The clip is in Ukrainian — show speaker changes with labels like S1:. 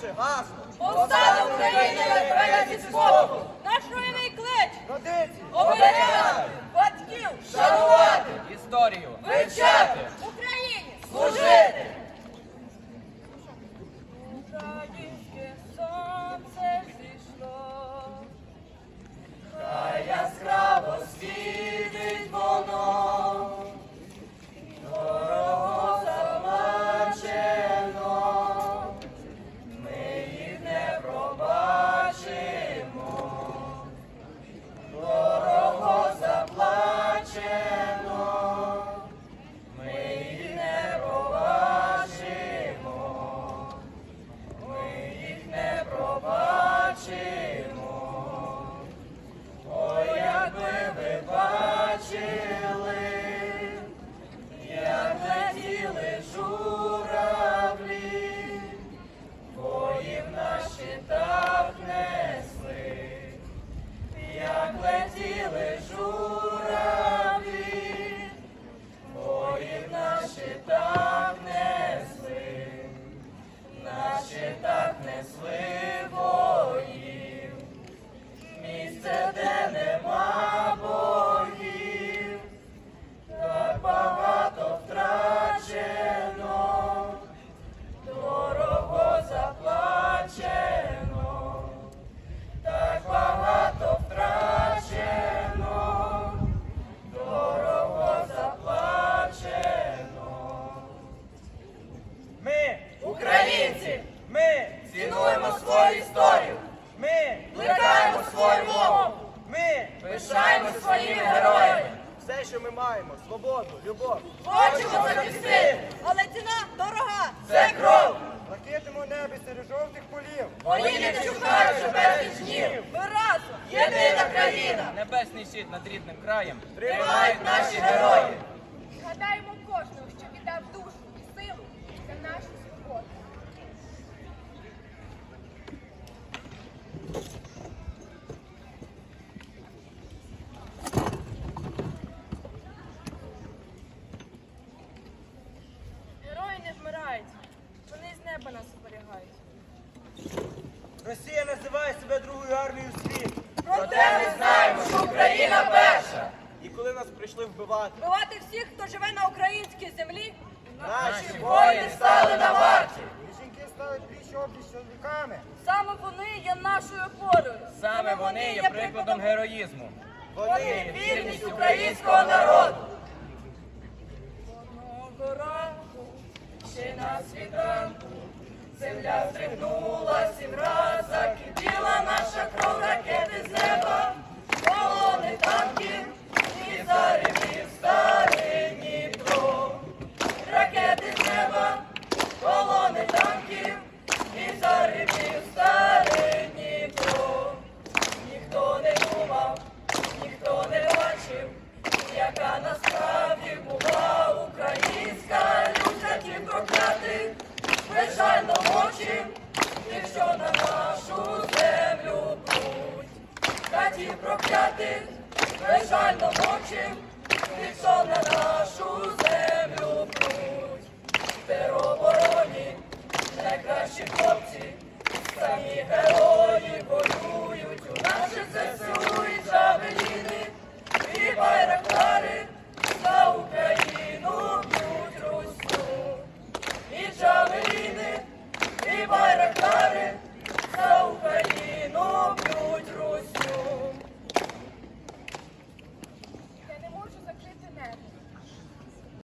S1: Наше гасло.
S2: Повстане України на зі спокою. Наш руйний клич.
S1: Традиції.
S2: Оберігати. Батьків.
S1: Шанувати.
S3: Історію
S2: Вивчати. Україні.
S1: Служити.
S2: Українське сонце зійшло.
S1: Хай яскраво світить воно, дорого заплачено, ми їх не пробачимо, дорого заплачено, ми їх не пробачимо, ми їх не пробачимо. Ой, якби ви бачили, як летіли журавлі, бої в наш щитах несли, як летіли журавлі, бої в наш щитах несли, на щитах несли воїв. Місце, де нема богів, так багато втрачено, дорого заплачено, так багато втрачено, дорого заплачено. Ми, українці, ми цінуємо свою історію. Ми
S2: Плекаємо свою мову.
S1: Ми
S2: Пишаємося своїми героями.
S1: все, що ми маємо, свободу, любов.
S2: Хочемо захистити. Але ціна дорога.
S1: Це кров! Блакитному небі серед жовтих полів.
S2: Мої не чекають вже безліч днів. Ми разом. Єдина країна.
S3: Небесний щит над рідним краєм
S1: Тримають наші герої.
S4: Згадаємо кожного, що віддав душу і силу за нашу свободу.
S2: Герої не вмирають. Вони з неба нас оберігають.
S1: Росія називає себе другою армією світу.
S2: Проте ми знаємо, що Україна перша.
S1: І коли нас прийшли вбивати,
S2: Вбивати всіх, хто живе на українській землі.
S1: наші
S2: Воїни стали на варті.
S1: І жінки стали пліч-опліч з чоловіками.
S2: Саме вони є нашою опорою.
S3: Саме вони є прикладом героїзму.
S1: Вони
S2: Вірність українського народу. Одного ранку, ще на світанку, земля стригнула 7 раз, закипіла наша кров, ракети з неба, колони танків і заревів старий Дніпро. Ракети з неба, колони танків і заревів старий Дніпро. Ніхто не думав, ніхто не бачив, яка насправді була українська лють, ті проклятих, безжально мовчим, тих, що на нашу землю пруть. Та ті проклятих, безжально мовчим, тих, що на нашу землю пруть. В теробороні найкращі хлопці, самі герої воюють у наших ЗСУ і джавеліни, і байрактари за Україну б'ють Русню. І джавеліни, і байрактари